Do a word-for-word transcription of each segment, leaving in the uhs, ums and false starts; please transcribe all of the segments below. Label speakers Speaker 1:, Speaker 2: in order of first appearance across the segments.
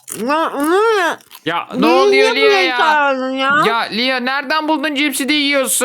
Speaker 1: Ya, ne?
Speaker 2: Ya ne oluyor Lia ya?
Speaker 1: çağırdın ya?
Speaker 2: Ya Lia nereden buldun cipsi de yiyorsun?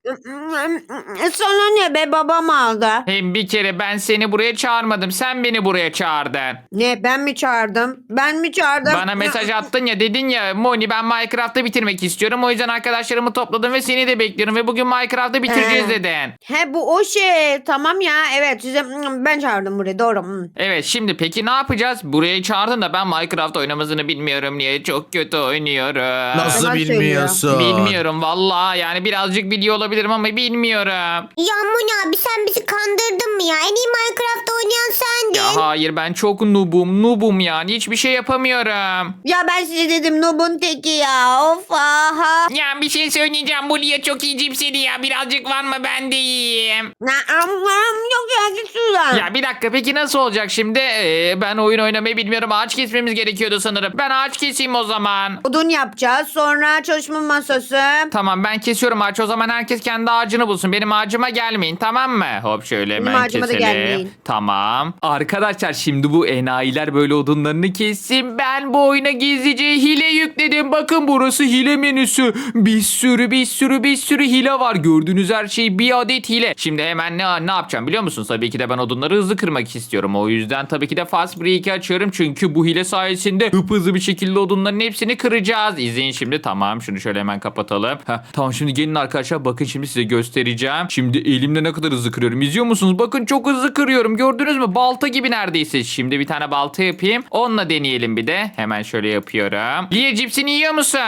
Speaker 1: Sana ne be, babam aldı.
Speaker 2: Hem bir kere ben seni buraya çağırmadım. Sen beni buraya çağırdın.
Speaker 1: Ne, ben mi çağırdım? Ben mi çağırdım?
Speaker 2: Bana mesaj attın ya, dedin ya Moni ben Minecraft'ı bitirmek istiyorum. O yüzden arkadaşlarımı topladım ve seni de bekliyorum. Ve bugün Minecraft'ı bitireceğiz
Speaker 1: He.
Speaker 2: dedin.
Speaker 1: He, bu o şey. Tamam ya, evet, size ben çağırdım buraya, doğru. Hmm.
Speaker 2: Evet, şimdi peki ne yapacağız? Buraya çağırdın da ben Minecraft oynamasını bilmiyorum niye? Çok kötü oynuyorum.
Speaker 3: Nasıl
Speaker 1: Yalan
Speaker 3: bilmiyorsun?
Speaker 2: Bilmiyorum valla, yani birazcık biliyor olabilirim ama bilmiyorum.
Speaker 4: Ya Moni abi, sen bizi kandırdın mı ya? En iyi Minecraft oynayan sendin.
Speaker 2: Ya hayır, ben çok noobum noobum yani, hiçbir şey yapamıyorum.
Speaker 1: Ya ben size dedim, Nub'un teki ya. Of, aha.
Speaker 2: Ya bir şey söyleyeceğim, bu Lia çok iyi cipsiydi ya, birazcık var mı ben de yiyeyim.
Speaker 1: Na, am, am, yok ya, git şuradan.
Speaker 2: Ya bir dakika, peki nasıl olacak şimdi? Ee, ben oyun oynamayı bilmiyorum, ağaç kesmemiz gerekiyordu sanırım. Ben ağaç keseyim o zaman.
Speaker 1: Odun yapacağız, sonra çalışma masası.
Speaker 2: Tamam, ben kesiyorum ağaç, o zaman herkes kendi ağacını bulsun. Benim ağacıma gelmeyin, tamam mı? Hop şöyle
Speaker 1: Benim
Speaker 2: hemen
Speaker 1: ağacıma da
Speaker 2: keselim.
Speaker 1: gelmeyin.
Speaker 2: Tamam. Arkadaşlar şimdi bu enayiler böyle odunlarını kessin. Ben bu oyuna gizlice hile yükledim. Bakın burası hile menüsü. Bir sürü bir sürü bir sürü hile var. Gördüğünüz her şey bir adet hile. Şimdi hemen ne, ne yapacağım biliyor musunuz? Tabii ki de ben odunları hızlı kırmak istiyorum. O yüzden tabii ki de Fast Break'i açıyorum. Çünkü bu hile sayesinde hızlı bir şekilde odunların hepsini kıracağız. İzleyin şimdi. Tamam, şunu şöyle hemen kapatalım. Heh, tamam, şimdi gelin arkadaşlar, bakın şimdi size göstereceğim. Şimdi elimle ne kadar hızlı kırıyorum. İzliyor musunuz? Bakın çok hızlı kırıyorum. Gördünüz mü? Balta gibi neredeyse. Şimdi bir tane balta yapayım. Onunla deneyelim bir de. Hemen şöyle yapıyorum. Lia, cipsini yiyor musun?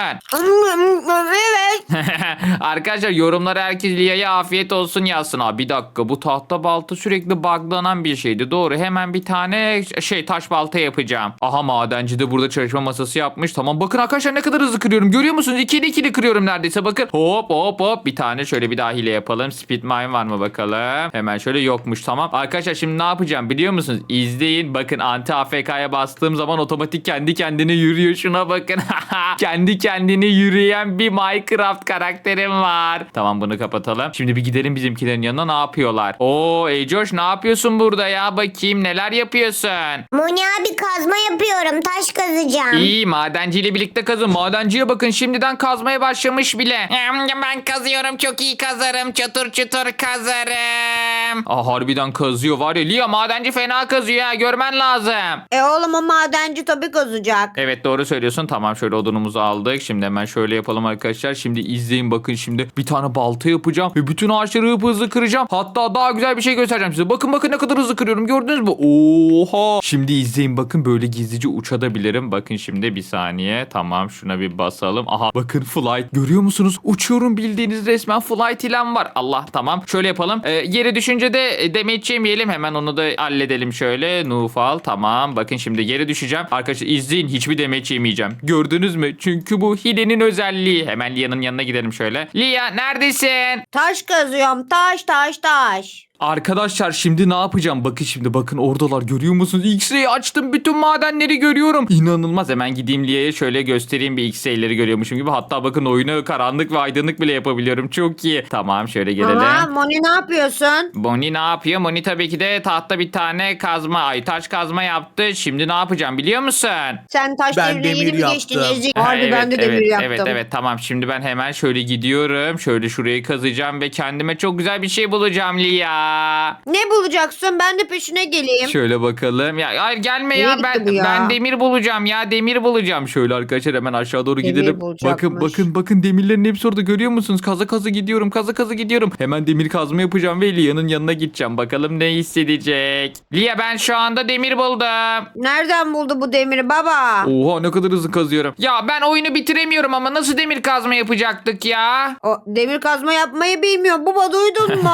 Speaker 1: Evet.
Speaker 2: Arkadaşlar yorumlara herkes Lia'ya afiyet olsun yazsın. Aa, bir dakika, bu tahta balta sürekli buglanan bir şeydi. Doğru, hemen bir tane şey taş balta yapacağım. Aha, madenci de burada çalışma masası yapmış. Tamam, bakın arkadaşlar ne kadar hızlı kırıyorum. Görüyor musunuz? İkili ikili kırıyorum neredeyse. Bakın hop hop hop, bir tane şöyle bir daha hile yapalım. Speed mine var mı bakalım. Hemen şöyle, yokmuş. Tamam arkadaşlar, şimdi ne yapacağım biliyor musunuz? İzleyin, bakın anti A F K'ya bastığım zaman otomatik kendi kendine yürüyor. Şuna bakın. Kendi kendine yürüyen bir Minecraft karakterim var. Tamam, bunu kapatalım. Şimdi bir gidelim bizimkilerin yanına, ne yapıyorlar? Oo Ecoş, ne yapıyorsun burada ya? Bakayım neler yapıyorsun?
Speaker 4: Moni abi, kazma yapıyorum. Taş kazacağım.
Speaker 2: İyi, madenciyle birlikte kazın. Madenciye bakın, şimdiden kazmaya başlamış bile. Ben kazıyorum, çok iyi kazarım. Çatır çatır kazarım. Aa, harbiden kazıyor var ya. Lia, madenci fena kazıyor ha, görmen lazım.
Speaker 1: E oğlum, o madenci tabii kazacak.
Speaker 2: Evet, doğru söylüyorsun. Tamam, şöyle odunumuzu aldık. Şimdi hemen şöyle yapalım arkadaşlar. Şimdi izleyin, bakın şimdi bir tane balta yapacağım ve bütün ağaçları hızlı hızlı kıracağım. Hatta daha güzel bir şey göstereceğim size. Bakın bakın ne kadar hızlı kırıyorum, gördünüz mü? Oha. Şimdi izleyin, bakın böyle gizlice uçabilirim. Bakın şimdi bir saniye. Tamam, şuna bir basalım. Aha, bakın flight. Görüyor musunuz? Uçuyorum, bildiğiniz resmen flight ilan var. Allah, tamam. Şöyle yapalım. Ee, yere düşünce de e, damage yemeyelim. Hemen onu da halledelim şöyle. Nufal. Tamam. Bakın şimdi yere düşeceğim. Arkadaşlar izleyin. Hiçbir damage yemeyeceğim. Gördünüz mü? Çünkü bu hilenin özelliği. Hemen Lia'nın yanına gidelim şöyle. Lia, neredesin?
Speaker 1: Taş kazıyorum, taş taş taş.
Speaker 2: Arkadaşlar şimdi ne yapacağım? Bakın şimdi, bakın oradalar, görüyor musunuz? X-ray açtım, bütün madenleri görüyorum. İnanılmaz. Hemen gideyim Lia'ya şöyle göstereyim, bir X-ray'leri görüyormuşum gibi. Hatta bakın oyunu karanlık ve aydınlık bile yapabiliyorum. Çok iyi. Tamam, şöyle gelelim.
Speaker 1: Ama Moni, ne yapıyorsun?
Speaker 2: Moni ne yapıyor? Moni tabii ki de tahta bir tane kazma, ay taş kazma yaptı. Şimdi ne yapacağım biliyor musun?
Speaker 1: Sen taş
Speaker 3: Ben
Speaker 1: devrine
Speaker 3: demir
Speaker 1: yeni mi geçtin
Speaker 3: yaptım.
Speaker 1: Ezik?
Speaker 2: Ha,
Speaker 1: Harbi, ben de
Speaker 2: evet,
Speaker 1: demir yaptım.
Speaker 2: Evet evet, tamam, şimdi ben hemen şöyle gidiyorum. Şöyle şurayı kazacağım ve kendime çok güzel bir şey bulacağım Lia.
Speaker 1: Ne bulacaksın? Ben de peşine geleyim.
Speaker 2: Şöyle bakalım. Ya hayır, gelme
Speaker 1: Nereye
Speaker 2: ya.
Speaker 1: gitti
Speaker 2: Ben
Speaker 1: bu ya?
Speaker 2: ben demir bulacağım ya. Demir bulacağım. Şöyle arkadaşlar hemen aşağı doğru
Speaker 1: Demir
Speaker 2: gidelim.
Speaker 1: bulacakmış.
Speaker 2: Bakın bakın bakın, demirlerin hepsi orada, görüyor musunuz? Kaza kaza gidiyorum. Kaza kaza gidiyorum. Hemen demir kazma yapacağım ve Lia'nın yanına gideceğim. Bakalım ne hissedecek. Lia, ben şu anda demir buldum.
Speaker 1: Nereden buldu bu demiri baba?
Speaker 2: Oha, ne kadar hızlı kazıyorum. Ya ben oyunu bitiremiyorum ama nasıl demir kazma yapacaktık ya?
Speaker 1: O demir kazma yapmayı bilmiyor. Baba, duydun mu?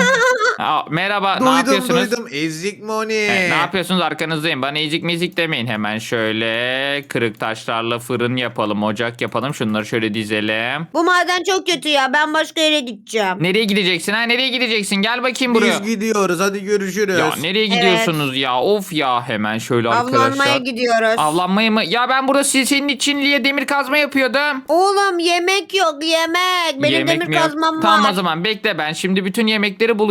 Speaker 2: Aa, merhaba, ne
Speaker 3: Duydum
Speaker 2: yapıyorsunuz?
Speaker 3: duydum. Ezik Moni.
Speaker 2: E, ne yapıyorsunuz, arkanızdayım. Bana ezik mezik demeyin. Hemen şöyle kırık taşlarla fırın yapalım, ocak yapalım. Şunları şöyle dizelim.
Speaker 1: Bu maden çok kötü ya. Ben başka yere gideceğim.
Speaker 2: Nereye gideceksin ha? Nereye gideceksin? Gel bakayım buraya.
Speaker 3: Biz gidiyoruz, hadi görüşürüz.
Speaker 2: Ya nereye gidiyorsunuz ya? Of ya, hemen şöyle
Speaker 1: Avlanmaya
Speaker 2: arkadaşlar.
Speaker 1: gidiyoruz.
Speaker 2: Avlanmaya mı? Ya ben burada si- senin için Lia demir kazma yapıyordum.
Speaker 1: Oğlum, yemek yok, yemek. Benim
Speaker 2: Yemek
Speaker 1: demir
Speaker 2: mi yok?
Speaker 1: kazmam var.
Speaker 2: Tamam, o zaman bekle, ben şimdi bütün yemekleri bulacağım. Bekle.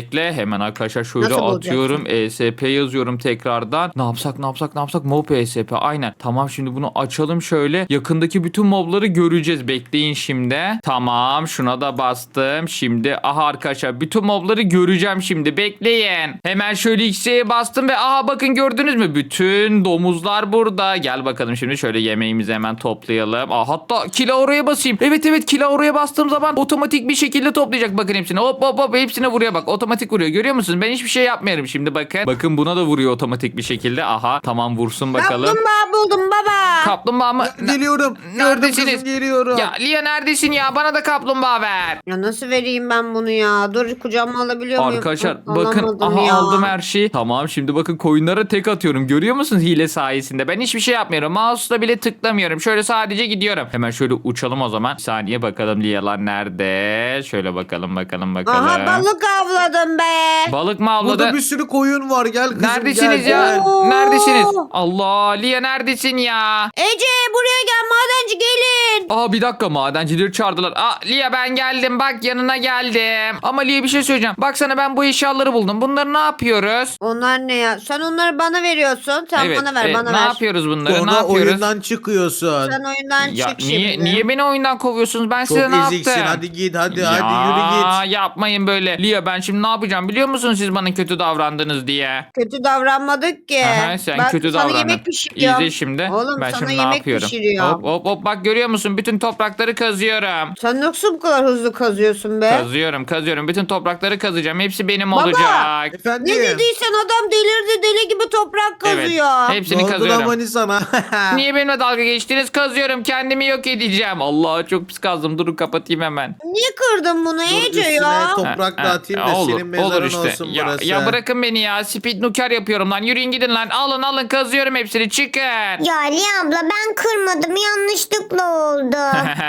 Speaker 2: bekle. Hemen arkadaşlar şöyle
Speaker 1: Nasıl bulacaksın?
Speaker 2: atıyorum. E S P yazıyorum tekrardan. Ne yapsak ne yapsak ne yapsak? Mob E S P aynen. Tamam şimdi bunu açalım şöyle. Yakındaki bütün mobları göreceğiz. Bekleyin şimdi. Tamam şuna da bastım. Şimdi aha arkadaşlar bütün mobları göreceğim şimdi. Bekleyin. Hemen şöyle X'e bastım ve aha bakın gördünüz mü? Bütün domuzlar burada. Gel bakalım şimdi şöyle yemeğimizi hemen toplayalım. Aa, hatta kila oraya basayım. Evet evet kila oraya bastığım zaman otomatik bir şekilde toplayacak. Bakın hepsine hop hop hop hepsine vuruyor bak. Otomatik vuruyor. Görüyor musunuz? Ben hiçbir şey yapmıyorum şimdi bakın. Bakın buna da vuruyor otomatik bir şekilde. Aha tamam vursun bakalım.
Speaker 1: Kaplumbağa buldum baba.
Speaker 2: Kaplumbağa mı?
Speaker 3: Geliyorum.
Speaker 2: Neredesiniz?
Speaker 3: Gördüm kızım, geliyorum.
Speaker 2: Ya Lia neredesin ya? Bana da kaplumbağa ver.
Speaker 1: Ya nasıl vereyim ben bunu ya? Dur kucağıma alabiliyor muyum?
Speaker 2: Arkadaşlar
Speaker 1: Hı,
Speaker 2: bakın
Speaker 1: alamadım
Speaker 2: aha
Speaker 1: ya.
Speaker 2: aldım her şeyi. Tamam şimdi bakın koyunlara tek atıyorum. Görüyor musunuz hile sayesinde? Ben hiçbir şey yapmıyorum. Mouse'la bile tıklamıyorum. Şöyle sadece gidiyorum. Hemen şöyle uçalım o zaman. Bir saniye bakalım Lia'lar nerede? Şöyle bakalım bakalım bakalım.
Speaker 1: Aha balık avladım be.
Speaker 2: Balık mı avladı?
Speaker 3: Burada bir sürü koyun var. Gel kızım
Speaker 2: Neredesiniz
Speaker 3: gel,
Speaker 2: ya?
Speaker 3: gel.
Speaker 1: Oo.
Speaker 2: Neredesiniz? Allah Lia neredesin ya?
Speaker 1: Ece buraya gel madenci gelin.
Speaker 2: Aa bir dakika madencileri çağırdılar. Aa Lia ben geldim bak yanına geldim. Ama Lia bir şey söyleyeceğim. Baksana ben bu eşyaları buldum. Bunları ne yapıyoruz?
Speaker 1: Onlar ne ya? Sen onları bana veriyorsun. Sen
Speaker 2: evet,
Speaker 1: bana ver
Speaker 2: evet,
Speaker 1: bana
Speaker 2: ne
Speaker 1: ver.
Speaker 2: yapıyoruz bunları? ne
Speaker 3: Sonra
Speaker 2: yapıyoruz?
Speaker 3: oyundan çıkıyorsun.
Speaker 1: Sen oyundan
Speaker 2: Ya
Speaker 1: çık
Speaker 2: niye
Speaker 1: şimdi.
Speaker 2: niye beni oyundan kovuyorsunuz? Ben
Speaker 3: Çok
Speaker 2: size ne
Speaker 3: eziksin.
Speaker 2: yaptım?
Speaker 3: Hadi git hadi
Speaker 2: ya,
Speaker 3: hadi yürü git.
Speaker 2: yapmayın böyle. Lia ben şimdi ne yapacağım biliyor musunuz siz bana kötü davrandınız diye.
Speaker 1: Kötü davranmadık ki.
Speaker 2: Aha, sen
Speaker 1: Bak,
Speaker 2: kötü
Speaker 1: sana
Speaker 2: davrandın.
Speaker 1: yemek pişiriyorum.
Speaker 2: İzle şimdi.
Speaker 1: Oğlum
Speaker 2: ben
Speaker 1: sana
Speaker 2: şimdi ne
Speaker 1: yemek
Speaker 2: yapıyorum?
Speaker 1: pişiriyorum.
Speaker 2: Hop hop hop bak görüyor musun? Bütün toprakları kazıyorum.
Speaker 1: Sen nasıl bu kadar hızlı kazıyorsun be?
Speaker 2: Kazıyorum kazıyorum. Bütün toprakları kazacağım. Hepsi benim
Speaker 1: Baba!
Speaker 2: olacak.
Speaker 3: Efendim.
Speaker 1: Ne dediysen adam delirdi deli gibi toprak
Speaker 2: Evet.
Speaker 1: kazıyor.
Speaker 2: Hepsini
Speaker 3: Ne oldu
Speaker 2: kazıyorum.
Speaker 3: lan Mani sana?
Speaker 2: Niye benimle dalga geçtiniz? Kazıyorum. Kendimi yok edeceğim. Allah çok pis kazdım. Durun kapatayım hemen.
Speaker 1: Niye kırdın bunu
Speaker 3: Dur,
Speaker 1: Ece
Speaker 3: üstüne
Speaker 1: ya?
Speaker 3: toprak
Speaker 2: Ha,
Speaker 3: dağıtayım
Speaker 2: ha,
Speaker 3: da
Speaker 2: olur,
Speaker 3: senin mezarın
Speaker 2: olur işte.
Speaker 3: olsun
Speaker 2: Ya,
Speaker 3: burası.
Speaker 2: ya bırakın beni ya. Speed nuker yapıyorum lan. Yürüyün gidin lan. Alın alın kazıyorum hepsini. Çıkın.
Speaker 4: Ya Lia abla ben kırmadım yanlışlıkla oldu.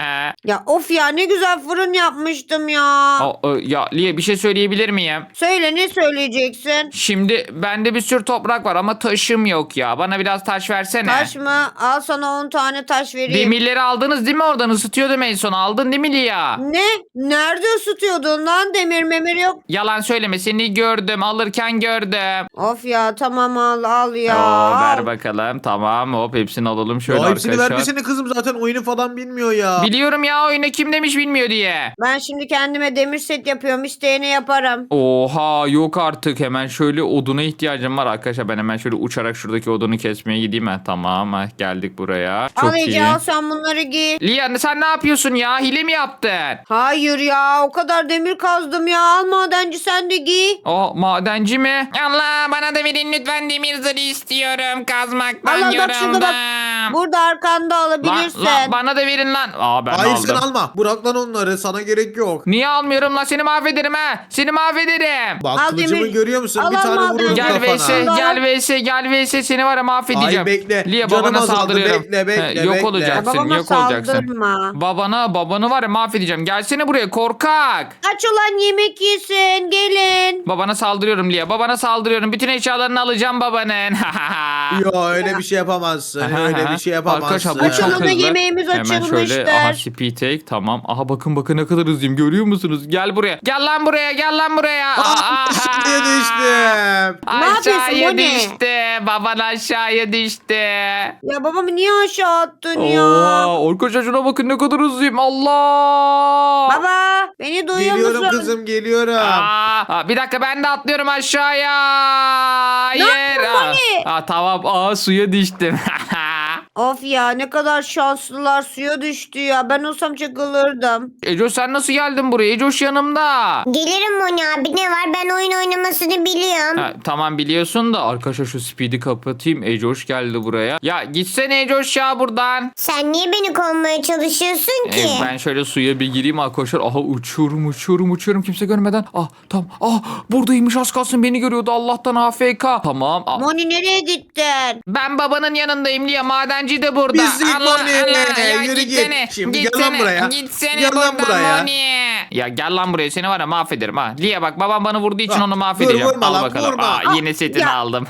Speaker 1: Ya of ya ne güzel fırın yapmıştım ya.
Speaker 2: O, o, ya Liye bir şey söyleyebilir miyim?
Speaker 1: Söyle ne söyleyeceksin?
Speaker 2: Şimdi bende bir sürü toprak var ama taşım yok ya. Bana biraz taş versene.
Speaker 1: Taş mı? Al sana on tane taş vereyim.
Speaker 2: Demirleri aldınız değil mi oradan? Isıtıyordum en son. Aldın değil mi Liya?
Speaker 1: Ne? Nerede ısıtıyordun lan? Demir memir yok.
Speaker 2: Yalan söyleme. Seni gördüm. Alırken gördüm.
Speaker 1: Of ya tamam al al ya.
Speaker 2: Oo, ver
Speaker 1: Al.
Speaker 2: bakalım. Tamam hop hepsini alalım şöyle
Speaker 3: Ya hepsini
Speaker 2: arkadaşlar.
Speaker 3: vermesene kızım, zaten oyunu falan bilmiyor ya.
Speaker 2: Biliyorum ya oyunu kim demiş bilmiyor diye.
Speaker 1: Ben şimdi kendime demir set yapıyorum. İsteyene yaparım.
Speaker 2: Oha yok artık hemen şöyle oduna ihtiyacım var arkadaşlar. Ben hemen şöyle uçarak şuradaki odunu kesmeye gideyim. Ha, tamam ha, geldik buraya. Çok
Speaker 1: al Ece
Speaker 2: iyi.
Speaker 1: al sen bunları giy.
Speaker 2: Liya sen ne yapıyorsun ya? Hile mi yaptın?
Speaker 1: Hayır ya o kadar demir kazdım ya. Al madenci sen de giy.
Speaker 2: O madenci mi? Allah bana da verin lütfen demir zırhı istiyorum. Kazmaktan
Speaker 1: Allah bak şurada bak.
Speaker 2: yoruldum.
Speaker 1: Burada arkanda
Speaker 2: Lan,
Speaker 1: alabilirsin.
Speaker 2: lan, bana da verin lan. Aa ben
Speaker 3: Hayır
Speaker 2: aldım.
Speaker 3: sen alma. Bırak lan onları, sana gerek yok.
Speaker 2: Niye almıyorum lan seni mahvederim ha. Seni mahvederim.
Speaker 3: Bak
Speaker 1: Al
Speaker 3: kılıcımı
Speaker 1: demir.
Speaker 3: görüyor musun?
Speaker 1: Al,
Speaker 3: Bir
Speaker 1: al,
Speaker 3: tane
Speaker 1: al,
Speaker 3: vururum
Speaker 2: Gel
Speaker 3: kafana.
Speaker 2: vs
Speaker 1: Allah.
Speaker 2: gel vs gel vs seni var ya mahvedeceğim.
Speaker 3: Ay bekle.
Speaker 2: Liya
Speaker 3: Canım
Speaker 2: babana
Speaker 3: azaldı.
Speaker 2: saldırıyorum.
Speaker 3: Bekle, bekle,
Speaker 2: He, yok
Speaker 3: bekle.
Speaker 2: olacaksın
Speaker 1: Babama
Speaker 2: yok olacaksın.
Speaker 1: saldırma.
Speaker 2: Babana babanı var ya mahvedeceğim. Gelsene buraya korkak.
Speaker 1: Aç ulan yemek yesin gelin.
Speaker 2: Babana saldırıyorum Liya. Babana saldırıyorum. Bütün eşyalarını alacağım babanın.
Speaker 3: Yo öyle bir şey yapamazsın. öyle bir şey
Speaker 2: Arkadaşlar
Speaker 3: yapamazsın.
Speaker 2: bu çok
Speaker 1: Açılımda
Speaker 2: hızlı.
Speaker 1: yemeğimiz
Speaker 2: Hemen şöyle
Speaker 1: açılmıştır.
Speaker 2: aha speed take tamam. Aha bakın bakın ne kadar hızlıyım görüyor musunuz? Gel buraya. Gel lan buraya gel lan buraya.
Speaker 3: Aa, aşağıya düştüm.
Speaker 1: Ne yapıyorsun,
Speaker 2: Aşağıya
Speaker 1: bu ne?
Speaker 2: düştü. Baban aşağıya düştü.
Speaker 1: Ya babamı niye aşağı attın ya?
Speaker 2: Oha arkadaşlar şuna bakın ne kadar hızlıyım. Allah.
Speaker 1: Baba beni duyuyor
Speaker 3: Geliyorum
Speaker 1: musun?
Speaker 3: kızım, geliyorum.
Speaker 2: Aa, aa, bir dakika ben de atlıyorum aşağıya. Hayır.
Speaker 1: yaptın
Speaker 2: Aa,
Speaker 1: Moni?
Speaker 2: aa, tamam aa suya düştüm.
Speaker 1: Of ya ne kadar şanslılar suya düştü ya. Ben olsam çakılırdım.
Speaker 2: Ecoş sen nasıl geldin buraya? Ecoş yanımda.
Speaker 4: Gelirim Moni abi, ne var, ben oyun oynamasını biliyorum.
Speaker 2: Ha, tamam biliyorsun da arkadaşlar şu speed'i kapatayım. Ecoş geldi buraya. Ya gitsene Ecoş ya buradan.
Speaker 4: Sen niye beni kovmaya çalışıyorsun ki?
Speaker 2: Ee, ben şöyle suya bir gireyim arkadaşlar. Aha uçuyorum uçuyorum uçuyorum kimse görmeden. Ah tamam. Ah buradaymış az kalsın beni görüyordu. Allah'tan A F K. Tamam. Ah,
Speaker 1: Moni nereye gittin?
Speaker 2: ben babanın yanındayım Liya. Madenci madenci de burada.
Speaker 3: Pislik
Speaker 2: Allah
Speaker 3: Moni.
Speaker 2: Allah. Ya
Speaker 3: Yürü git.
Speaker 2: gitsene.
Speaker 3: Şimdi gel
Speaker 2: gitsene,
Speaker 3: lan buraya.
Speaker 2: Gitsene
Speaker 3: Gel lan
Speaker 2: buradan
Speaker 3: buraya.
Speaker 2: Moni. Ya gel lan buraya, seni var ya mahvederim ha. Lia bak, babam bana vurduğu için
Speaker 3: Ah,
Speaker 2: onu
Speaker 3: dur,
Speaker 2: mahvedeceğim.
Speaker 3: vurma
Speaker 2: Al
Speaker 3: lan,
Speaker 2: bakalım.
Speaker 3: vurma.
Speaker 2: Aa,
Speaker 1: Ah,
Speaker 2: yeni setini
Speaker 1: ya.
Speaker 2: aldım.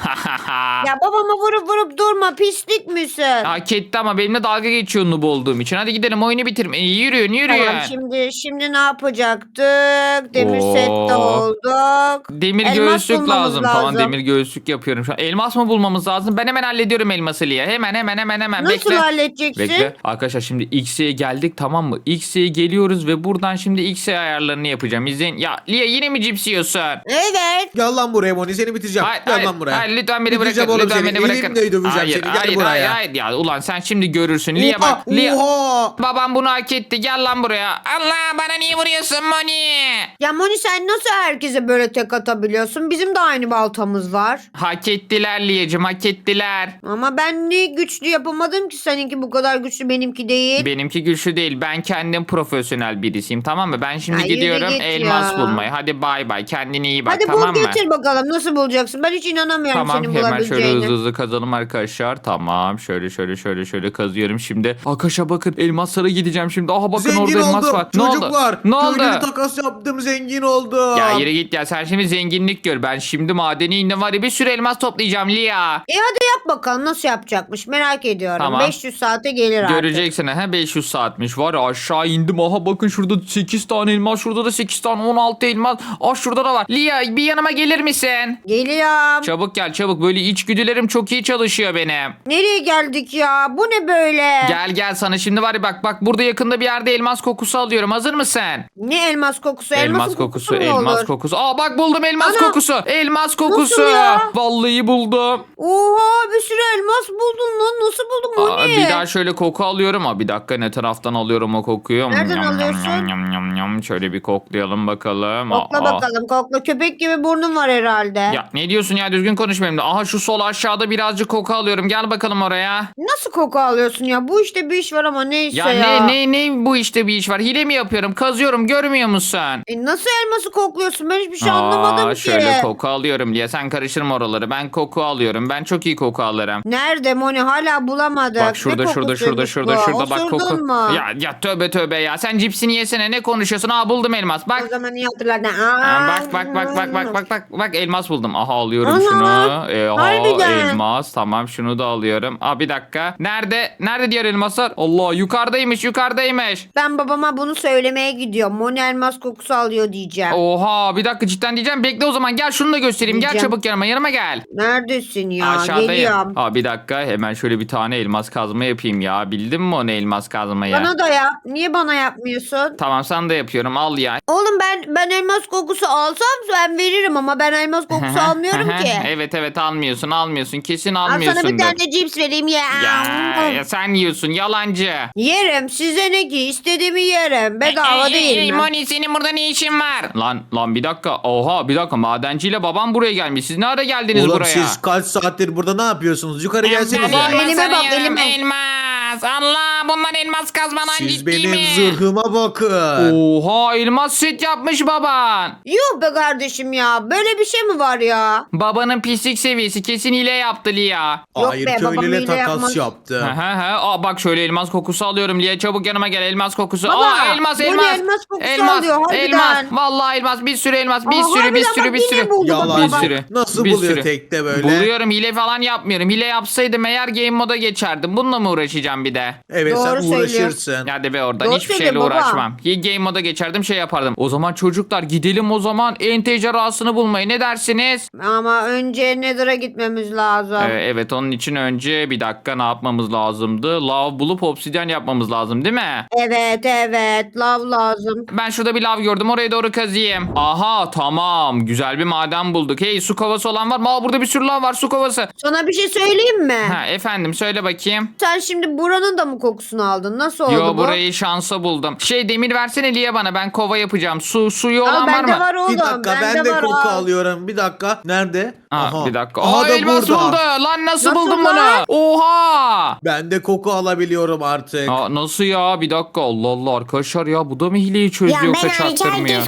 Speaker 1: Ya babama vurup vurup durma, pislik misin?
Speaker 2: Hak etti ama benimle dalga geçiyor noob olduğum için. Hadi gidelim, oyunu bitirme. İyi, yürüyün yürüyün.
Speaker 1: Tamam, şimdi şimdi ne yapacaktık? Demir
Speaker 2: Oo.
Speaker 1: sette olduk.
Speaker 2: Demir
Speaker 1: Elmas
Speaker 2: göğüslük
Speaker 1: bulmamız
Speaker 2: lazım. Tamam, demir göğüslük yapıyorum şu an. Elmas mı bulmamız lazım? Ben hemen hallediyorum elması Lia. Hemen hemen hemen hemen.
Speaker 1: Nasıl
Speaker 2: Bekle.
Speaker 1: halledeceksin?
Speaker 2: Bekle. Arkadaşlar şimdi X'e geldik, tamam mı? X'e geliyoruz ve buradan şimdi X'e ayarlarını yapacağım. İzleyin. Ya Lia, yine mi cips yiyorsun?
Speaker 1: Evet.
Speaker 3: Gel lan buraya Moni, seni bitireceğim.
Speaker 2: Hayır,
Speaker 3: Gel
Speaker 2: hayır,
Speaker 3: lan buraya.
Speaker 2: hayır, lütfen beni
Speaker 3: Bitireceğim
Speaker 2: bırakın.
Speaker 3: oğlum
Speaker 2: Lütfen
Speaker 3: seni.
Speaker 2: beni bırakın.
Speaker 3: Elimle döveceğim
Speaker 2: hayır,
Speaker 3: seni. Gel
Speaker 2: hayır,
Speaker 3: buraya.
Speaker 2: hayır, hayır. Ya ulan sen şimdi görürsün. Lia bak.
Speaker 3: Oha,
Speaker 2: Lia.
Speaker 3: oha.
Speaker 2: Babam bunu hak etti. Gel lan buraya. Allah, bana niye vuruyorsun Moni?
Speaker 1: Ya Moni, sen nasıl herkese böyle tek atabiliyorsun? Bizim de aynı baltamız var.
Speaker 2: Hak ettiler Lia'cığım, hak ettiler.
Speaker 1: Ama ben ne güçlü yapamadım ki, seninki bu kadar güçlü, benimki değil.
Speaker 2: Benimki güçlü değil. Ben kendim profesyonel birisiyim, tamam mı? Ben şimdi
Speaker 1: Ya yürü
Speaker 2: gidiyorum
Speaker 1: git
Speaker 2: elmas
Speaker 1: ya.
Speaker 2: bulmaya. Hadi bay bay. Kendine iyi bak,
Speaker 1: Hadi
Speaker 2: tamam
Speaker 1: bul
Speaker 2: mı?
Speaker 1: getir bakalım, nasıl bulacaksın? Ben hiç inanamıyorum
Speaker 2: Tamam,
Speaker 1: senin
Speaker 2: hemen şöyle
Speaker 1: bulabileceğine.
Speaker 2: hızlı hızlı kazalım arkadaşlar. Tamam, şöyle şöyle şöyle şöyle kazıyorum şimdi. Arkadaşlar bakın, elmaslara gideceğim şimdi. Aha bakın,
Speaker 3: Zengin
Speaker 2: orada elmas
Speaker 3: oldum.
Speaker 2: var. Ne oldu?
Speaker 3: Çocuklar.
Speaker 2: Ne oldu?
Speaker 3: Köylü bir takas yaptım, zengin oldum.
Speaker 2: Ya yürü git ya, sen şimdi zenginlik gör. Ben şimdi madeni indim var ya, bir sürü elmas toplayacağım Lia.
Speaker 1: E hadi yap bakalım, nasıl yapacakmış, merak ediyorum.
Speaker 2: Tamam.
Speaker 1: beş yüz saate gelir artık.
Speaker 2: Göreceksin ha, beş yüz saatmiş var ya, aşağı indim. Aha bakın, şurada sekiz tane elmas, şurada da sekiz tane, on altı elmas. Ah, şurada da var. Lia, bir yanıma gelir misin?
Speaker 1: Geliyorum.
Speaker 2: Çabuk gel çabuk, böyle içgüdülerim çok iyi çalışıyor benim.
Speaker 1: Nereye geldik ya? Bu ne böyle?
Speaker 2: Gel gel, sana şimdi var ya, bak bak, burada yakında bir yerde elmas kokusu alıyorum. Hazır mısın?
Speaker 1: Ne elmas kokusu?
Speaker 2: Elmas
Speaker 1: Elmasın
Speaker 2: kokusu,
Speaker 1: mu
Speaker 2: elmas
Speaker 1: olur?
Speaker 2: kokusu. Aa bak, buldum elmas
Speaker 1: Ana!
Speaker 2: kokusu. Elmas kokusu.
Speaker 1: ya?
Speaker 2: Vallahi buldum.
Speaker 1: Oha, bir sürü elmas buldun lan. Nasıl buldun
Speaker 2: Aa,
Speaker 1: Moni?
Speaker 2: bir daha şöyle koku alıyorum. Aa, bir dakika, ne taraftan alıyorum o kokuyu?
Speaker 1: Nereden
Speaker 2: Yam, yam,
Speaker 1: alıyorsun?
Speaker 2: yam, yam, yam, yam. Şöyle bir koklayalım bakalım.
Speaker 1: Kokla
Speaker 2: Aa,
Speaker 1: bakalım, kokla. Köpek gibi burnun var herhalde.
Speaker 2: Ya ne diyorsun ya, düzgün konuş benimle. Aha, şu sol aşağıda birazcık koku alıyorum. Gel bakalım oraya.
Speaker 1: Nasıl koku alıyorsun ya? Bu işte bir iş var ama neyse
Speaker 2: Ya,
Speaker 1: ya.
Speaker 2: ne ne ne bu işte bir iş var. Hile mi yapıyorum? Kazıyorum, görmüyor musun?
Speaker 1: E nasıl elması kokluyorsun? Ben hiçbir şey
Speaker 2: Aa,
Speaker 1: anlamadım ki.
Speaker 2: şöyle koku alıyorum diye. Sen karıştırma oraları. Ben koku alıyorum. Ben çok iyi koku alırım.
Speaker 1: Nerede Moni? Hala bulamadık.
Speaker 2: Bak şurada
Speaker 1: Ne
Speaker 2: şurada şurada
Speaker 1: kokusuymuş
Speaker 2: şurada
Speaker 1: bu?
Speaker 2: şurada bak
Speaker 1: Osurdun
Speaker 2: koku.
Speaker 1: mu?
Speaker 2: Ya ya tövbe tövbe ya. Sen cipsini yesene, ne konuşuyorsun? Aa, buldum elmas. Bak.
Speaker 1: O zaman iyi hatırladın.
Speaker 2: Aa,
Speaker 1: Aa,
Speaker 2: bak bak bak bak bak bak bak bak elmas buldum. Aha, alıyorum
Speaker 1: Ana,
Speaker 2: şunu. Ee, aha,
Speaker 1: harbiden.
Speaker 2: elmas. Tamam, şunu da alıyorum. Aa, bir dakika. Nerede? Nerede diğer elmaslar? Allah, yukarıdaymış yukarıdaymış.
Speaker 1: Ben babama bunu söylemeye gidiyorum. Moni elmas kokusu alıyor diyeceğim.
Speaker 2: Oha, bir dakika, cidden diyeceğim. Bekle o zaman, gel şunu da göstereyim. Gel
Speaker 1: Diyeceğim.
Speaker 2: çabuk yanıma yanıma gel.
Speaker 1: Neredesin ya?
Speaker 2: Aşağıdayım.
Speaker 1: Geliyorum.
Speaker 2: Aa, bir dakika, hemen şöyle bir tane elmas kazma yapayım ya. Bildin mi onu, elmas kazmayı?
Speaker 1: Bana da yap. Niye bana yapmıyorsun?
Speaker 2: Tamam, sana da yapıyorum, al ya.
Speaker 1: Oğlum ben ben elmas kokusu alsam ben veririm ama ben elmas kokusu almıyorum ki.
Speaker 2: Evet evet, almıyorsun almıyorsun, kesin
Speaker 1: Al sana
Speaker 2: almıyorsundur.
Speaker 1: bir tane cips vereyim ya.
Speaker 2: Ya, ya sen yiyorsun, yalancı.
Speaker 1: Yerim, size ne ki, istediğimi yerim. Bedava
Speaker 2: Ey, ey,
Speaker 1: değil
Speaker 2: ey,
Speaker 1: mi?
Speaker 2: Moni, senin burada ne işin var? Lan lan bir dakika. Oha, bir dakika, madenciyle babam buraya gelmiş. Siz ne ara geldiniz
Speaker 3: Oğlum
Speaker 2: buraya?
Speaker 3: siz kaç saattir burada ne yapıyorsunuz? Yukarı gelsenize.
Speaker 1: Baba, elime bak,
Speaker 2: arıyorum,
Speaker 1: elime.
Speaker 2: Elmas. Allah, bunlar elmas kazmadan
Speaker 3: Siz
Speaker 2: ciddi
Speaker 3: benim
Speaker 2: mi?
Speaker 3: zırhıma bakın.
Speaker 2: Oha, elmas set yapmış baban.
Speaker 1: Yuh be kardeşim ya. Böyle bir şey mi var ya?
Speaker 2: Babanın pislik seviyesi kesin hile yaptı Lia.
Speaker 1: Yok
Speaker 3: Hayır,
Speaker 1: be, babam
Speaker 3: köylüyle
Speaker 1: hile
Speaker 3: takas
Speaker 1: yapmaz.
Speaker 3: yaptı.
Speaker 2: He he he. Aa, bak şöyle elmas kokusu alıyorum Lia. Çabuk yanıma gel, elmas kokusu.
Speaker 1: Baba,
Speaker 2: Aa, elmas
Speaker 1: bu ne
Speaker 2: elmas.
Speaker 1: elmas kokusu
Speaker 2: elmas,
Speaker 1: alıyor, harbiden.
Speaker 2: elmas. Vallahi elmas, bir sürü elmas, bir
Speaker 1: Aa,
Speaker 2: sürü bir
Speaker 1: harbiden
Speaker 2: sürü
Speaker 1: bak,
Speaker 2: bir
Speaker 1: yine
Speaker 2: sürü.
Speaker 1: buldu bak
Speaker 3: Yalan.
Speaker 2: Bir
Speaker 1: baba.
Speaker 2: sürü.
Speaker 3: Nasıl
Speaker 2: bir
Speaker 3: buluyor
Speaker 2: sürü.
Speaker 3: tekte böyle?
Speaker 2: Buluyorum, hile falan yapmıyorum. Hile yapsaydım eğer game moda geçerdim. Bununla mı uğraşacağım bir de?
Speaker 3: Evet,
Speaker 1: Doğru
Speaker 3: sen
Speaker 1: söylüyor.
Speaker 3: uğraşırsın.
Speaker 2: Hadi be oradan,
Speaker 1: Doğru
Speaker 2: hiçbir
Speaker 1: söylüyor
Speaker 2: şeyle
Speaker 1: baba.
Speaker 2: uğraşmam. Game moda geçerdim, şey yapardım. O zaman çocuklar gidelim o zaman entejarasını bulmaya, ne dersiniz?
Speaker 1: Ama önce Nether'a gitmemiz lazım.
Speaker 2: Ee, evet, onun için önce bir dakika ne yapmamız lazımdı? Lav bulup obsidyen yapmamız lazım değil mi?
Speaker 1: Evet evet, lav lazım.
Speaker 2: Ben şurada bir lav gördüm, oraya doğru kazıyım. Aha, tamam, güzel bir maden bulduk. Hey, su kovası olan var mı? Aa, burada bir sürü lav var, su kovası.
Speaker 1: Sana bir şey söyleyeyim mi?
Speaker 2: Ha, efendim söyle bakayım.
Speaker 1: Sen şimdi buranın da mı kokusunu aldın? Nasıl oldu
Speaker 2: Yo,
Speaker 1: bu?
Speaker 2: burayı şansa buldum. Şey, demir versene Lia bana, ben kova yapacağım. Su suyu
Speaker 1: Aa,
Speaker 2: olan var
Speaker 1: bende
Speaker 2: mı?
Speaker 1: var oğlum.
Speaker 3: Bir dakika, ben de
Speaker 1: var,
Speaker 3: koku
Speaker 1: aa.
Speaker 3: alıyorum. Bir dakika. Nerede?
Speaker 2: Aa, bir dakika.
Speaker 3: Aha
Speaker 2: Aa,
Speaker 3: da
Speaker 2: elmas
Speaker 3: burada.
Speaker 2: buldu. Lan nasıl,
Speaker 1: Nasıl
Speaker 2: buldun
Speaker 1: lan?
Speaker 2: bunu? Oha.
Speaker 3: Ben de koku alabiliyorum artık.
Speaker 2: Aa, nasıl ya? Bir dakika, Allah Allah arkadaşlar ya, bu da mı hileyi
Speaker 4: Ya
Speaker 2: çözüyor
Speaker 4: ben
Speaker 2: yoksa
Speaker 4: hariç
Speaker 2: çaktırmıyor?
Speaker 4: herkes koku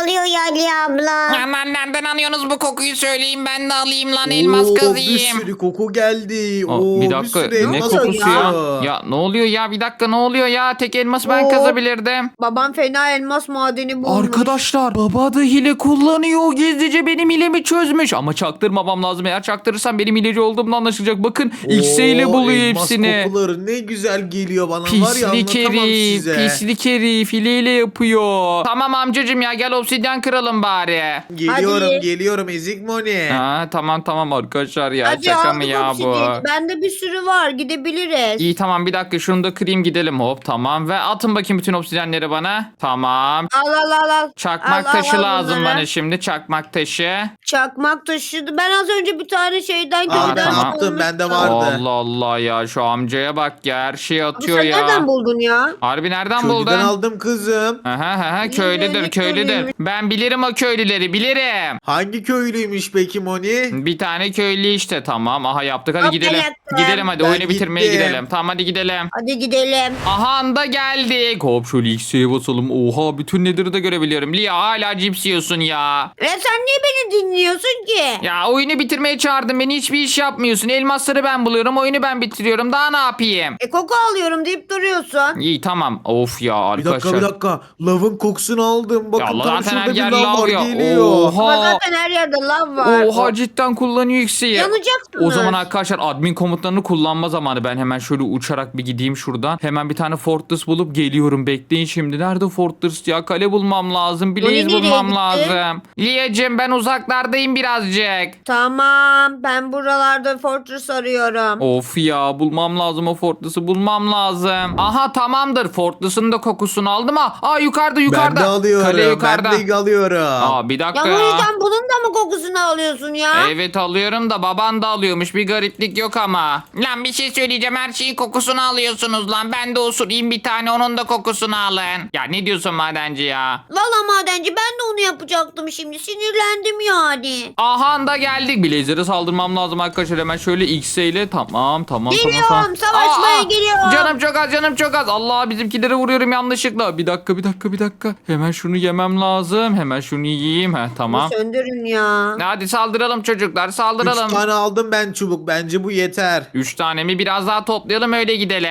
Speaker 4: alıyor ya Ali abla.
Speaker 2: Lan nereden alıyorsunuz bu kokuyu söyleyin ben de alayım lan elmas
Speaker 3: Oo, bir
Speaker 2: kazıyım.
Speaker 3: sürü koku geldi.
Speaker 2: Aa,
Speaker 3: Oo,
Speaker 2: bir dakika
Speaker 3: sürü
Speaker 2: ne
Speaker 3: elmas
Speaker 2: kokusu ya?
Speaker 3: akıyor.
Speaker 2: Ya ne oluyor ya bir dakika ne oluyor ya tek elması ben
Speaker 1: Oo.
Speaker 2: kazabilirdim.
Speaker 1: Babam fena elmas madeni bulmuş.
Speaker 2: Arkadaşlar baba da hile kullanıyor. Gizlice benim hilemi çözmüş. Ama çaktırmamam lazım. Eğer çaktırırsam benim hileci olduğumda anlaşılacak. Bakın X ile
Speaker 3: Oo,
Speaker 2: buluyor
Speaker 3: elmas
Speaker 2: hepsini.
Speaker 3: kokuları ne güzel geliyor bana var ya,
Speaker 2: Pislik
Speaker 3: anlatamam
Speaker 2: herif,
Speaker 3: size.
Speaker 2: pislik herif hileyle yapıyor. Tamam amcacım ya gel obsidyen kıralım bari.
Speaker 3: Geliyorum
Speaker 1: Hadi.
Speaker 3: geliyorum ezik Moni.
Speaker 2: Ha, tamam tamam arkadaşlar ya
Speaker 1: Hadi
Speaker 2: şaka
Speaker 1: aldık
Speaker 2: mı ya bu?
Speaker 1: obsidiyeni. Bende bir sürü var, gidebiliriz.
Speaker 2: İyi tamam bir dakika şunu da kırayım gidelim hop tamam ve atın bakayım bütün obsidyenleri bana. Tamam.
Speaker 1: Al al al al.
Speaker 2: Çakmak
Speaker 1: Al, al,
Speaker 2: taşı
Speaker 1: al
Speaker 2: lazım
Speaker 1: bunları.
Speaker 2: bana şimdi çakmak taşı.
Speaker 1: Çakmak taşıdı. Ben az önce bir tane şeyden
Speaker 2: Aa,
Speaker 1: köyden
Speaker 2: tamam.
Speaker 3: Yaptım, bende
Speaker 1: bulmuştum.
Speaker 3: vardı.
Speaker 2: Allah Allah ya şu amcaya bak ya her şeyi
Speaker 1: Abi
Speaker 2: atıyor
Speaker 1: sen
Speaker 2: ya.
Speaker 1: nereden buldun ya?
Speaker 2: Harbi nereden
Speaker 3: Köylüden
Speaker 2: buldun?
Speaker 3: aldım kızım.
Speaker 2: Aha aha köylüdür
Speaker 1: ne
Speaker 2: köylüdür.
Speaker 1: köylüymüş?
Speaker 2: Ben bilirim o köylüleri bilirim.
Speaker 3: Hangi köylüymüş peki Moni?
Speaker 2: Bir tane köylü işte tamam. Aha yaptık hadi
Speaker 1: Hop,
Speaker 2: gidelim.
Speaker 1: yaptım.
Speaker 2: Gidelim hadi
Speaker 3: Ben
Speaker 2: oyunu bitirmeye
Speaker 3: gittim.
Speaker 2: gidelim. Tamam hadi gidelim.
Speaker 1: Hadi gidelim.
Speaker 2: Aha da geldik. Hop şöyle X'e basalım. Oha bütün Nether'ı da görebiliyorum. Lia hala cips yiyorsun ya.
Speaker 1: Ya sen niye beni dinliyorsun ki?
Speaker 2: Ya oyunu bitirmeye çağırdın beni hiçbir iş yapmıyorsun. Elmasları ben buluyorum oyunu ben bitiriyorum. Daha ne yapayım?
Speaker 1: E koku alıyorum deyip duruyorsun.
Speaker 2: İyi tamam. Of ya
Speaker 3: Bir dakika
Speaker 2: arkadaşlar.
Speaker 3: bir dakika. Lavın kokusunu aldım. Bakın
Speaker 2: Ya
Speaker 3: tam
Speaker 2: zaten
Speaker 3: şurada
Speaker 2: her
Speaker 3: bir
Speaker 2: yer
Speaker 3: lav
Speaker 2: lav
Speaker 3: var
Speaker 2: ya.
Speaker 3: geliyor.
Speaker 1: Ama
Speaker 2: Oha.
Speaker 1: zaten her yerde lav var.
Speaker 2: Oha cidden kullanıyor X'i.
Speaker 1: Yanacaksınız.
Speaker 2: O zaman arkadaşlar admin komutlarını kullanma zamanı. Ben hemen şöyle uçarak bir gideyim şuradan. Hemen bir tane fortress bulup geliyorum. Bekleyin şimdi. Nerede fortress ya? Kale bulmam lazım. Blaze
Speaker 1: nereye
Speaker 2: bulmam
Speaker 1: gitti?
Speaker 2: lazım. Liyacım ben uzaklardayım birazcık.
Speaker 1: Tamam, ben buralarda fortress arıyorum.
Speaker 2: Of ya bulmam lazım o fortress'ı bulmam lazım. Aha tamamdır. Fortress'ın da kokusunu aldım ha. Aa yukarıda yukarıda.
Speaker 3: Ben de alıyorum.
Speaker 2: Kale yukarıda.
Speaker 3: Ben de alıyorum.
Speaker 2: Aa bir
Speaker 1: Ya
Speaker 2: dakika
Speaker 1: bu
Speaker 2: ya.
Speaker 1: yüzden bunun da mı kokusunu alıyorsun ya?
Speaker 2: Evet alıyorum da baban da alıyormuş. Bir gariplik yok ama. Lan bir şey söyleyeceğim. Her şeyin kokusunu alıyorsunuz lan. Ben de osurayım bir tane onun da kokusunu alın. Ya ne diyorsun madenci ya?
Speaker 1: Valla madenci ben de onu yapacaktım şimdi. Sinirlendim yani.
Speaker 2: Aha da geldik. Blazer'e saldırmam lazım arkadaşlar. Hemen şöyle X ile. Tamam tamam
Speaker 1: Geliyorum,
Speaker 2: tamam. tamam.
Speaker 1: savaşmaya geliyorum.
Speaker 2: Canım çok az canım çok az. Allah bizimkileri vuruyorum yanlışlıkla. Bir dakika bir dakika bir dakika. Hemen şunu yemem lazım. Hemen şunu yiyeyim. Heh, tamam.
Speaker 1: Bunu söndürün ya.
Speaker 2: Hadi saldıralım çocuklar saldıralım.
Speaker 3: Üç tane aldım ben çubuk. Bence bu yeter.
Speaker 2: Üç tane mi? Biraz daha toplayalım öyle gidelim.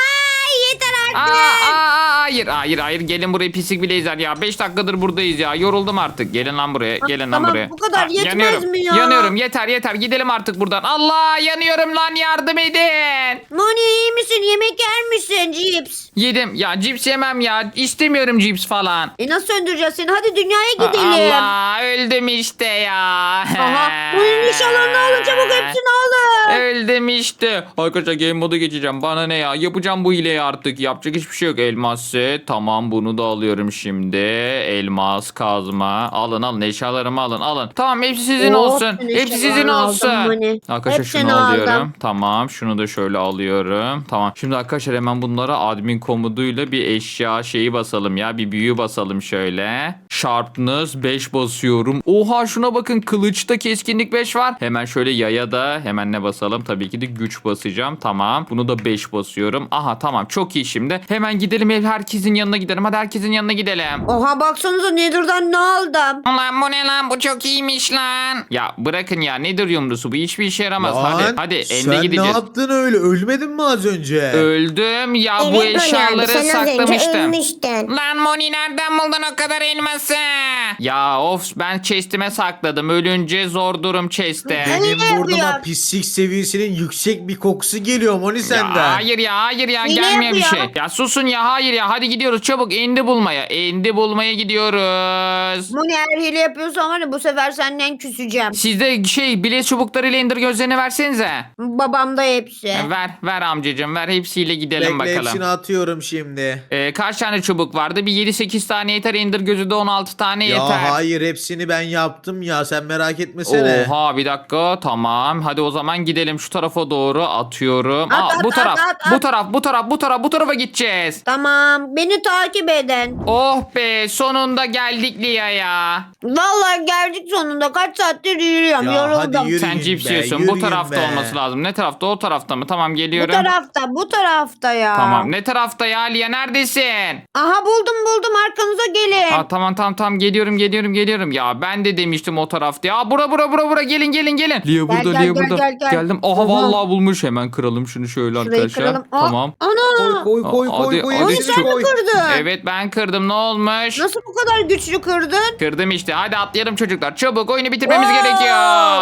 Speaker 1: Ay yeter
Speaker 2: Aa,
Speaker 1: artık.
Speaker 2: aa, aa, hayır hayır hayır gelin buraya pislik blazer ya. beş dakikadır buradayız ya. Yoruldum artık. Gelin lan buraya. Gelin lan
Speaker 1: tamam,
Speaker 2: buraya.
Speaker 1: bu kadar yetmez
Speaker 2: yanıyorum.
Speaker 1: mi ya?
Speaker 2: Yanıyorum. Yeter yeter. Gidelim artık buradan. Allah yanıyorum lan yardım edin.
Speaker 1: Moni iyi misin? Yemek yer misin cips?
Speaker 2: Yedim. Ya cips yemem ya. İstemiyorum cips falan.
Speaker 1: E nasıl söndüreceğiz seni? Hadi dünyaya gidelim.
Speaker 2: Allah öldüm işte ya.
Speaker 1: Aha. Bunun nişanlarını alın çabuk hepsini alın.
Speaker 2: Öldüm işte. Arkadaşlar game moda geçeceğim. Bana ne ya? Yapacağım bu hileyi artık. Yapacak hiçbir şey yok. Elmas set. Tamam bunu da alıyorum şimdi. Elmas kazma. Alın alın eşyalarımı alın alın. Tamam hepsi sizin
Speaker 1: Oh,
Speaker 2: olsun.
Speaker 1: ben
Speaker 2: Hepsi sizin
Speaker 1: eşyalarını aldım
Speaker 2: olsun.
Speaker 1: hani.
Speaker 2: Arkadaşlar
Speaker 1: Hepsini
Speaker 2: şunu alıyorum.
Speaker 1: aldım.
Speaker 2: Tamam şunu da şöyle alıyorum. Tamam. Şimdi arkadaşlar hemen bunlara admin komutuyla bir eşya şeyi basalım ya. Bir büyü basalım şöyle. Sharpness beş basıyorum. Oha şuna bakın kılıçta keskinlik beş var. Hemen şöyle yaya da hemen ne basalım? Tabii ki de güç basacağım. Tamam. Bunu da beş basıyorum. Aha tamam çok iyi şimdi. Hemen gidelim ev herkesin yanına gidelim. Hadi herkesin yanına gidelim.
Speaker 1: Oha baksanıza Nether'dan ne aldım?
Speaker 2: Lan bu ne lan? Bu çok iyiymiş lan. Ya bırakın ya. Nedir yumrusu? Bu hiçbir işe yaramaz.
Speaker 3: Lan,
Speaker 2: hadi hadi elde
Speaker 3: sen
Speaker 2: gideceğiz.
Speaker 3: ne yaptın öyle? Ölmedin mi az önce?
Speaker 2: Öldüm ya bu
Speaker 4: Evet Moni abi
Speaker 2: eşyaları
Speaker 4: sen az önce
Speaker 2: saklamıştım.
Speaker 4: ölmüştün.
Speaker 2: Lan Moni nereden buldun o kadar elması? Ya of ben chest'ime sakladım. Ölünce zor durum chest'e.
Speaker 1: Ne
Speaker 3: Benim burnuma
Speaker 1: yapıyor?
Speaker 3: pislik seviyesinin yüksek bir kokusu geliyor Moni
Speaker 2: Ya
Speaker 3: senden.
Speaker 2: hayır ya hayır ya
Speaker 1: Hile
Speaker 2: gelmiyor bir
Speaker 1: yapıyor.
Speaker 2: şey. Ya susun ya hayır ya hadi gidiyoruz çabuk endi bulmaya. Endi bulmaya gidiyoruz.
Speaker 1: Moni eğer hile yapıyorsan var ya bu sefer senden küseceğim.
Speaker 2: Sizde şey bileş çubuklarıyla ender gözlerini versenize.
Speaker 1: Babamda hepsi.
Speaker 2: Ver ver amcacığım ver hepsiyle gidelim
Speaker 3: Bekle
Speaker 2: bakalım.
Speaker 3: hepsini atıyorum şimdi.
Speaker 2: Ee, kaç tane çubuk vardı? Bir yedi sekiz tane yeter. Ender gözü de on altı tane
Speaker 3: Ya
Speaker 2: yeter.
Speaker 3: hayır hepsini ben yaptım ya sen merak etmesene.
Speaker 2: Oha bir dakika tamam. Hadi o zaman gidelim şu tarafa doğru atıyorum.
Speaker 1: At,
Speaker 2: Aa,
Speaker 1: at,
Speaker 2: bu
Speaker 1: at,
Speaker 2: taraf
Speaker 1: at, at.
Speaker 2: bu taraf bu taraf bu taraf bu tarafa gideceğiz.
Speaker 1: Tamam beni takip edin.
Speaker 2: Oh be sonunda geldik Lia'ya.
Speaker 1: Vallahi geldik sonunda kaç saattir yürüyorum
Speaker 3: Ya
Speaker 1: yoruldum.
Speaker 3: hadi yürü.
Speaker 2: Sen
Speaker 3: Yürüyün
Speaker 2: cips
Speaker 3: be,
Speaker 2: yiyorsun. Bu
Speaker 3: yürüyün
Speaker 2: tarafta
Speaker 3: be.
Speaker 2: olması lazım. Ne tarafta? O tarafta mı? Tamam
Speaker 1: Bu
Speaker 2: geliyorum.
Speaker 1: tarafta bu tarafta ya.
Speaker 2: Tamam. Ne tarafta ya Lia? Neredesin?
Speaker 1: Aha buldum buldum arkanıza gelin.
Speaker 2: Aa, tamam tamam tamam geliyorum geliyorum geliyorum. Ya ben de demiştim o tarafta. Ya bura bura bura bura gelin gelin gelin. Lia burada
Speaker 1: gel,
Speaker 2: Lia
Speaker 1: gel,
Speaker 2: burada.
Speaker 1: gel, gel.
Speaker 2: Geldim. Aha
Speaker 1: Aha.
Speaker 2: vallahi bulmuş. Hemen kıralım şunu şöyle
Speaker 1: Şurayı
Speaker 2: arkadaşlar.
Speaker 1: kıralım. Aa,
Speaker 2: Tamam.
Speaker 1: Ana.
Speaker 3: Koy koy koy
Speaker 2: Hadi,
Speaker 3: koy koy.
Speaker 2: hadi.
Speaker 1: Moni
Speaker 3: hepsini
Speaker 1: sen mi
Speaker 3: koy.
Speaker 1: kırdın?
Speaker 2: Evet ben kırdım. Ne olmuş?
Speaker 1: Nasıl bu kadar güçlü kırdın?
Speaker 2: Kırdım işte. Hadi atlayalım çocuklar. Çabuk oyunu bitirmemiz
Speaker 1: Oo!
Speaker 2: gerekiyor.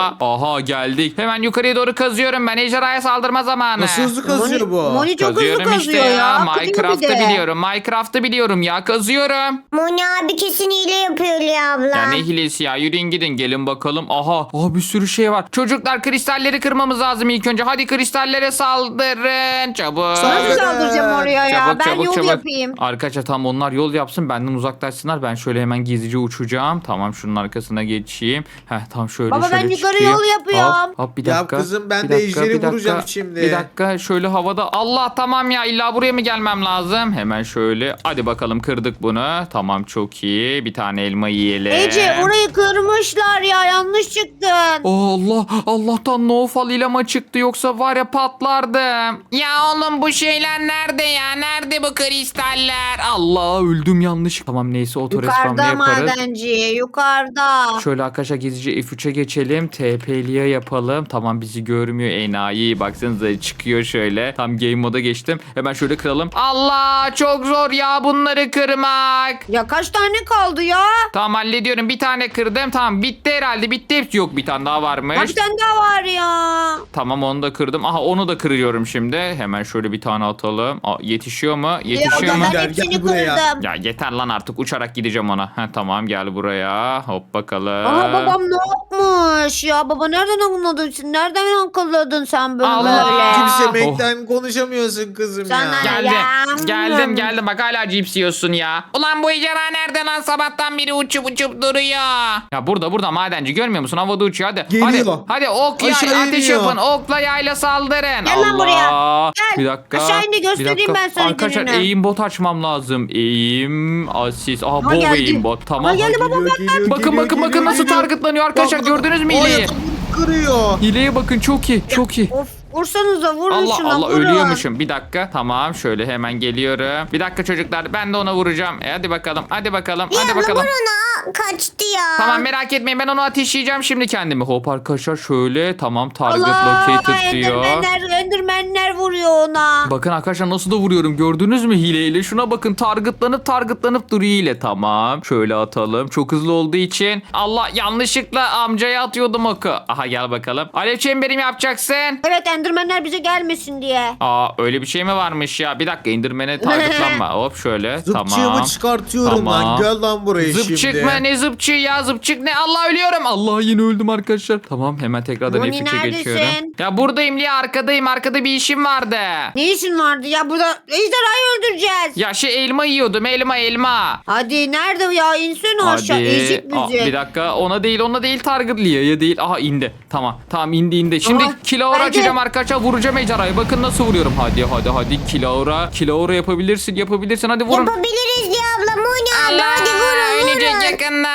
Speaker 2: Aha geldik. Hemen yukarıya doğru kazıyorum ben. Ejderhaya saldırma zamanı.
Speaker 3: Nasıl hızlı kazıyor
Speaker 1: Moni,
Speaker 3: bu?
Speaker 1: Moni çok hızlı
Speaker 2: Kazıyorum
Speaker 1: kazıyor
Speaker 2: işte
Speaker 1: ya.
Speaker 2: ya.
Speaker 1: Kırıyor bir
Speaker 2: Minecraft'ı
Speaker 1: de.
Speaker 2: biliyorum. Minecraft'ı biliyorum ya. Kazıyorum.
Speaker 4: Moni abi kesin hile yapıyor Lia abla.
Speaker 2: Ya ne hilesi ya. Yürüyün gidin. Gelin bakalım. Aha. Aha bir sürü şey var. Çocuklar kristalleri kırmamız lazım ilk önce. Hadi kristallere saldırın. Çabuk.
Speaker 1: Nasıl
Speaker 3: Saldırın.
Speaker 1: saldıracağım oraya ya?
Speaker 2: Çabuk
Speaker 1: Ben
Speaker 2: çabuk
Speaker 1: yol
Speaker 2: çabuk.
Speaker 1: yapayım.
Speaker 2: Arkadaşlar tam onlar yol yapsın benden uzaklaşsınlar. Ben şöyle hemen gizlice uçacağım. Tamam şunun arkasına geçeyim. Heh tam şöyle
Speaker 1: Baba, ben
Speaker 2: şöyle
Speaker 1: yukarı
Speaker 2: çıkayım.
Speaker 1: yol yapıyorum.
Speaker 2: Hop, hop bir
Speaker 3: Ya
Speaker 2: dakika.
Speaker 3: kızım, ben
Speaker 2: bir
Speaker 3: de
Speaker 2: dakika,
Speaker 3: ejderi
Speaker 2: bir dakika,
Speaker 3: vuracağım şimdi.
Speaker 2: Bir dakika şöyle havada. Allah tamam ya illa buraya mı gelmem lazım? Hemen şöyle. Hadi bakalım kırdık bunu. Tamam çok iyi. Bir tane elma yiyelim.
Speaker 1: Ece orayı kırmışlar ya, yanlış çıktın.
Speaker 2: Oh, Allah Allah'tan no fall ilama çıktı yoksa var ya patlardım. Ya oğlum bu şeyler nerede ya? Nerede bu kristaller? Allah öldüm yanlış. Tamam neyse otorespawn'da
Speaker 1: Yukarıda
Speaker 2: yaparız.
Speaker 1: madenci, yukarıda.
Speaker 2: Şöyle arkadaşlar gizlice F üçe geçelim. T P'liye yapalım. Tamam bizi görmüyor enayi. Baksanıza çıkıyor şöyle. Tam game moda geçtim. Hemen şöyle kıralım. Allah çok zor ya bunları kırmak.
Speaker 1: Ya kaç tane kaldı ya?
Speaker 2: Tamam hallediyorum. Bir tane kırdım. Tamam bitti herhalde. Bitti hepsi. Yok bir tane daha varmış.
Speaker 1: Kaç tane daha var ya?
Speaker 2: Tamam onu da kırdım. Aha onu da kırıyorum şimdi. Hemen şöyle bir tane atalım. Aa, yetişiyor mu?
Speaker 1: Ya
Speaker 2: Yetişiyor mu?
Speaker 1: ben
Speaker 3: Gel,
Speaker 1: hepsini
Speaker 3: gel buraya.
Speaker 1: kırdım.
Speaker 2: Ya yeter lan artık uçarak gideceğim ona. Heh, tamam gel buraya. Hop bakalım.
Speaker 1: Aha babam ne yapmış ya? Baba nereden anladın sen? Nereden akılladın sen böyle
Speaker 2: Allah!
Speaker 1: böyle?
Speaker 3: Kimsemekten konuşamıyorsun kızım
Speaker 1: Sen
Speaker 3: ya.
Speaker 1: ne-
Speaker 2: Geldim.
Speaker 1: Ya.
Speaker 2: Geldim geldim. Bak hala cips yiyorsun ya. Ulan bu ejderha nerede lan? Sabahtan beri uçup uçup duruyor. Ya burada burada madenci görmüyor musun? Havada uçuyor hadi.
Speaker 3: Geliyor.
Speaker 2: Hadi, hadi ok yay
Speaker 3: Aşağı
Speaker 2: ateş
Speaker 3: iniyor.
Speaker 2: yapın. Okla yayla saldırın.
Speaker 1: Gel lan
Speaker 2: Allah.
Speaker 1: buraya. Gel.
Speaker 2: Bir dakika.
Speaker 1: Aşağı indi, göstereyim
Speaker 2: bir dakika.
Speaker 1: ben sana
Speaker 2: Arkadaşlar
Speaker 1: gününü.
Speaker 2: eğim bot açmam lazım. Eğim asist. Aha
Speaker 1: Aha,
Speaker 2: bu
Speaker 1: geldi.
Speaker 2: eğim bot. Tamam.
Speaker 1: Aha, geldi baba,
Speaker 3: Geliyor, geliyor,
Speaker 2: Bakın
Speaker 3: geliyor,
Speaker 2: bakın bakın
Speaker 3: geliyor,
Speaker 2: nasıl
Speaker 3: geliyor.
Speaker 2: targetlanıyor arkadaşlar.
Speaker 3: Bak,
Speaker 2: Gördünüz mü
Speaker 3: o
Speaker 2: hileyi?
Speaker 3: yatamı kırıyor.
Speaker 2: Hileye bakın çok iyi. Çok iyi.
Speaker 1: Of, vursanıza vurun
Speaker 2: Allah
Speaker 1: şuna
Speaker 2: Allah
Speaker 1: vurun.
Speaker 2: ölüyormuşum. Bir dakika. Tamam şöyle hemen geliyorum. Bir dakika çocuklar ben de ona vuracağım. E, hadi bakalım. Hadi bakalım.
Speaker 4: Lia
Speaker 2: Hadi
Speaker 4: abla
Speaker 2: bakalım.
Speaker 4: vur ona. Kaçtı ya.
Speaker 2: Tamam merak etmeyin ben onu ateşleyeceğim şimdi kendimi. Hop arkadaşlar şöyle tamam target
Speaker 1: Allah,
Speaker 2: located diyor.
Speaker 1: endermenler, endermenler vuruyor ona.
Speaker 2: Bakın arkadaşlar nasıl da vuruyorum gördünüz mü hileyle? Şuna bakın targetlanıp targetlanıp duruyor hile. Tamam şöyle atalım. Çok hızlı olduğu için. Allah yanlışlıkla amcaya atıyordum oku. Aha gel bakalım. Alev çemberim yapacaksın.
Speaker 1: Evet, endermenler bize gelmesin diye.
Speaker 2: Aa öyle bir şey mi varmış ya? Bir dakika indirmene targetlanma. Hop şöyle tamam.
Speaker 3: Zıpçığımı çıkartıyorum
Speaker 2: Tamam.
Speaker 3: lan. Gel lan buraya
Speaker 2: Zıpçık
Speaker 3: şimdi.
Speaker 2: mı ne zıpçı ya zıpçık ne Allah ölüyorum. Allah yine öldüm arkadaşlar. Tamam hemen tekrardan
Speaker 1: Moni,
Speaker 2: F üçe
Speaker 1: neredesin?
Speaker 2: geçiyorum. Ya buradayım Lia arkadayım arkada bir işim vardı.
Speaker 1: Ne işin vardı ya, burada ejderhayı öldüreceğiz.
Speaker 2: Ya şey elma yiyordum elma elma.
Speaker 1: Hadi nerede ya, insene aşağı, ezik
Speaker 2: Aa,
Speaker 1: bizi.
Speaker 2: bir dakika ona değil ona değil target Lia'ya değil. Aha indi. Tamam tamam indi indi. Şimdi
Speaker 1: Aha,
Speaker 2: kilaura
Speaker 1: hadi.
Speaker 2: açacağım arkadaşlar vuracağım ejderhayı. Bakın nasıl vuruyorum. Hadi hadi hadi kilaura. Kilaura yapabilirsin yapabilirsin hadi vurun.
Speaker 4: Yapabiliriz Lia abla. Moni abi hadi vurun
Speaker 2: Ölecek
Speaker 4: vurun.
Speaker 2: yakında.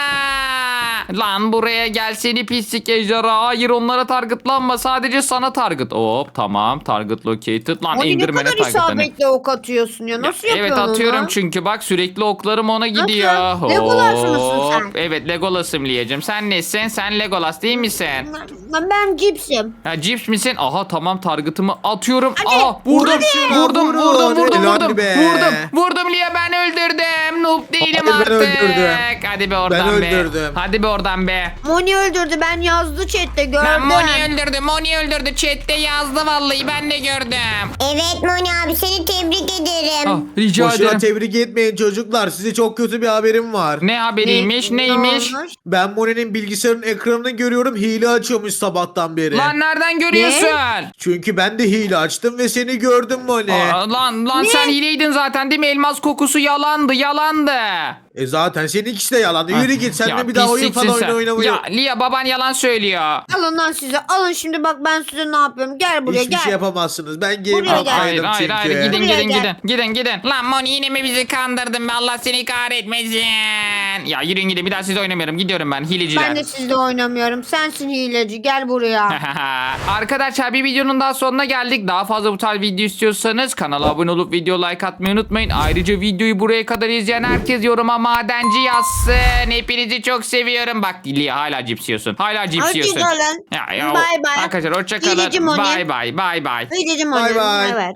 Speaker 2: Lan buraya gel seni pislik ejderha. Hayır onlara targetlanma. Sadece sana target. Hop tamam target located. Lan
Speaker 1: Moni, ne
Speaker 2: indirmene
Speaker 1: kadar
Speaker 2: targetlanıyor.
Speaker 1: isabetle ok atıyorsun ya, nasıl
Speaker 2: Evet
Speaker 1: yapıyorsun
Speaker 2: atıyorum
Speaker 1: onu?
Speaker 2: çünkü bak sürekli oklarım ona gidiyor.
Speaker 1: Nasıl? Legolas mısın
Speaker 2: Hop.
Speaker 1: sen?
Speaker 2: Evet Legolas'ım Liyacım. Sen nesin? Sen Legolas değil misin?
Speaker 1: Ben, ben cipsim.
Speaker 2: Ha cips misin? Aha tamam target'ımı atıyorum.
Speaker 1: Hadi,
Speaker 2: Aha vurdum.
Speaker 3: hadi.
Speaker 2: Vurdum
Speaker 3: Vurun,
Speaker 2: vurdum vurdum
Speaker 3: helal
Speaker 2: vurdum.
Speaker 3: be.
Speaker 2: Vurdum. Vurdum Liya ben öldürdüm. Noob değilim
Speaker 3: Hayır, ben
Speaker 2: artık.
Speaker 3: öldürdüm.
Speaker 2: Hadi be oradan
Speaker 3: Ben
Speaker 2: be.
Speaker 3: öldürdüm.
Speaker 2: Hadi be oradan be.
Speaker 1: Moni öldürdü, ben yazdı chatte, gördüm.
Speaker 2: Ben Moni öldürdü. Moni öldürdü. Chat'te yazdı vallahi ben de gördüm.
Speaker 4: Evet Moni abi seni tebrik ederim.
Speaker 2: Ah, rica
Speaker 3: Boşuna
Speaker 2: ederim.
Speaker 3: tebrik etmeyin çocuklar. Size çok kötü bir haberim var.
Speaker 2: Ne haberiymiş?
Speaker 1: Ne-
Speaker 2: Neymiş?
Speaker 1: ne olmuş?
Speaker 3: Ben Moni'nin bilgisayarın ekranını görüyorum. Hile açıyormuş sabahtan beri.
Speaker 2: Lan nereden görüyorsun?
Speaker 3: Çünkü ben de hile açtım ve seni gördüm Moni.
Speaker 2: Aa, lan lan
Speaker 1: Ne?
Speaker 2: sen hileydin zaten değil mi? Elmas kokusu yalandı yalandı.
Speaker 3: E zaten senin ikisi de yalan. Yürü git sen
Speaker 2: Ya
Speaker 3: de bir daha oyun
Speaker 2: pisliksin
Speaker 3: falan
Speaker 2: sen.
Speaker 3: oyna oynamayı.
Speaker 2: Ya Lia baban yalan söylüyor.
Speaker 1: Alın lan size. Alın şimdi bak ben size ne yapıyorum. Gel buraya
Speaker 3: Hiçbir
Speaker 1: gel.
Speaker 3: şey yapamazsınız. Ben
Speaker 1: Buraya
Speaker 3: game
Speaker 1: gel.
Speaker 2: Hayır
Speaker 3: yapmaydım
Speaker 2: hayır
Speaker 3: çünkü.
Speaker 2: hayır gidin
Speaker 1: Buraya
Speaker 2: gidin
Speaker 1: gel.
Speaker 2: gidin gidin gidin. Lan Moni yine mi bizi kandırdın be Allah seni kahretmesin. Ya yürüyün gidin bir daha sizle oynamıyorum gidiyorum ben hileciler.
Speaker 1: Ben de sizle oynamıyorum. Sensin hileci. Gel buraya.
Speaker 2: Arkadaşlar bir videonun daha sonuna geldik. Daha fazla bu tarz video istiyorsanız kanala abone olup video like atmayı unutmayın. Ayrıca videoyu buraya kadar izleyen herkes yoruma madenci yazsın. Hepinizi çok seviyorum. Bak Lia hala cips yiyorsun. Hala cips yiyorsun.
Speaker 1: Hoşçakalın.
Speaker 2: Ya, ya,
Speaker 1: Bye bye.
Speaker 2: Arkadaşlar hoşçakalın.
Speaker 1: Hileci Moni.
Speaker 2: Bye bye bye bye.
Speaker 1: Hileci
Speaker 3: Bay
Speaker 1: Moni.
Speaker 3: bay.
Speaker 1: Evet.